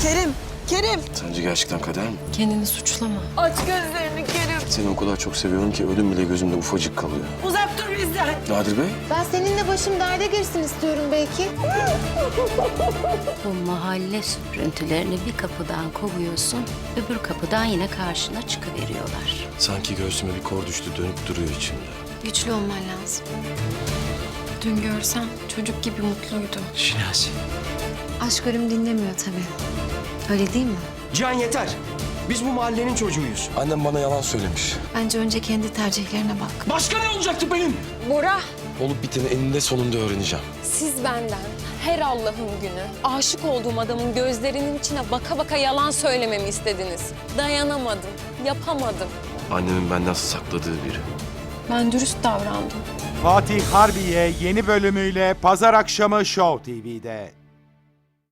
Kerim. Sence gerçekten kader mi? Kendini suçlama. Aç gözlerini Kerim. Seni o kadar çok seviyorum ki ölüm bile gözümde ufacık kalıyor. Uzak dur bizden. Nadir Bey? Ben seninle başım derde girsin istiyorum belki. Bu mahalle süprüntülerini bir kapıdan kovuyorsun, öbür kapıdan yine karşına çıkıveriyorlar. Sanki göğsüme bir kor düştü, dönüp duruyor içimde. Güçlü olman lazım. Dün görsem çocuk gibi mutluydu. Şinasi. Aşk ölüm dinlemiyor tabii. Öyle değil mi? Can yeter. Biz bu mahallenin çocuğuyuz. Annem bana yalan söylemiş. Bence önce kendi tercihlerine bak. Başka ne olacaktı benim? Bora, Olup biteni eninde sonunda öğreneceğim. siz benden her Allah'ın günü aşık olduğum adamın gözlerinin içine baka baka yalan söylememi istediniz. Dayanamadım, yapamadım. Annemin benden sakladığı biri. Ben dürüst davrandım. Fatih Harbiye yeni bölümüyle Pazar akşamı Show TV'de.